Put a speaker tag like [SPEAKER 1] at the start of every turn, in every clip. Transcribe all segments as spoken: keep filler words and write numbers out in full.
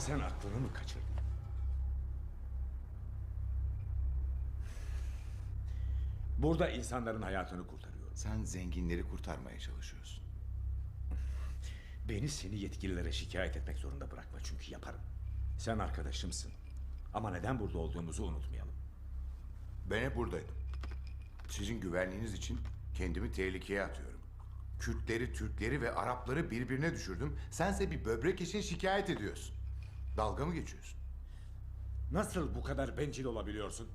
[SPEAKER 1] Sen aklını mı kaçırdın? Burada insanların hayatını kurtarıyorum.
[SPEAKER 2] Sen zenginleri kurtarmaya çalışıyorsun.
[SPEAKER 1] Beni seni yetkililere şikayet etmek zorunda bırakma, çünkü yaparım. Sen arkadaşımsın. Ama neden burada olduğumuzu unutmayalım.
[SPEAKER 2] Ben hep buradaydım. Sizin güvenliğiniz için kendimi tehlikeye atıyorum. Kürtleri, Türkleri ve Arapları birbirine düşürdüm. Sense bir böbrek için şikayet ediyorsun. Dalga mı geçiyorsun?
[SPEAKER 1] Nasıl bu kadar bencil olabiliyorsun?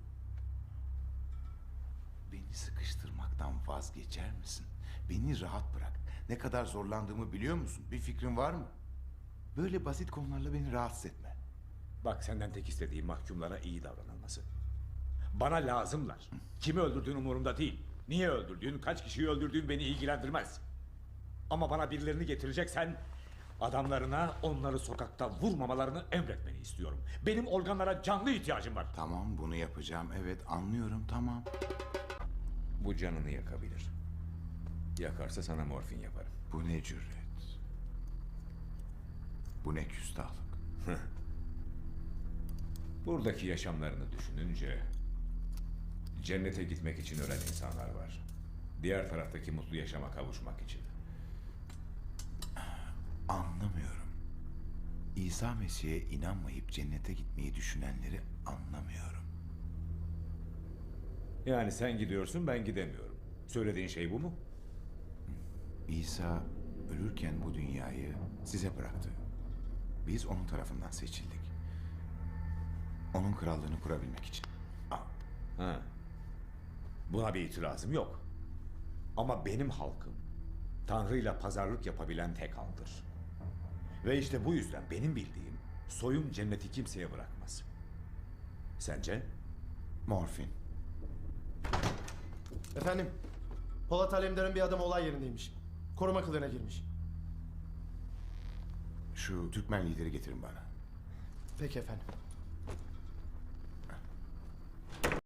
[SPEAKER 2] Beni sıkıştırmaktan vazgeçer misin? Beni rahat bırak. Ne kadar zorlandığımı biliyor musun? Bir fikrin var mı? Böyle basit konularla beni rahatsız etme.
[SPEAKER 1] Bak, senden tek istediğim mahkumlara iyi davranılması. Bana lazımlar. Kimi öldürdüğün umurumda değil. Niye öldürdüğün, kaç kişiyi öldürdüğün beni ilgilendirmez. Ama bana birilerini getireceksen adamlarına onları sokakta vurmamalarını emretmeni istiyorum. Benim organlara canlı ihtiyacım var.
[SPEAKER 2] Tamam, bunu yapacağım. Evet, anlıyorum, tamam.
[SPEAKER 1] Bu canını yakabilir. Yakarsa sana morfin yaparım.
[SPEAKER 2] Bu ne cüret? Bu ne küstahlık?
[SPEAKER 1] Buradaki yaşamlarını düşününce cennete gitmek için ölen insanlar var. Diğer taraftaki mutlu yaşama kavuşmak için.
[SPEAKER 2] Anlamıyorum. İsa Mesih'e inanmayıp cennete gitmeyi düşünenleri anlamıyorum.
[SPEAKER 1] Yani sen gidiyorsun, ben gidemiyorum. Söylediğin şey bu mu?
[SPEAKER 2] İsa ölürken bu dünyayı size bıraktı. Biz onun tarafından seçildik. Onun krallığını kurabilmek için. Aa,
[SPEAKER 1] Ha. Buna bir itirazım yok. Ama benim halkım Tanrı'yla pazarlık yapabilen tek halktır. Ve işte bu yüzden benim bildiğim soyum cenneti kimseye bırakmaz. Sence?
[SPEAKER 2] morfin.
[SPEAKER 3] Efendim, Polat Alemdar'ın bir adamı olay yerindeymiş. Koruma kılığına girmiş.
[SPEAKER 2] Şu Türkmen lideri getirin bana.
[SPEAKER 3] Peki efendim.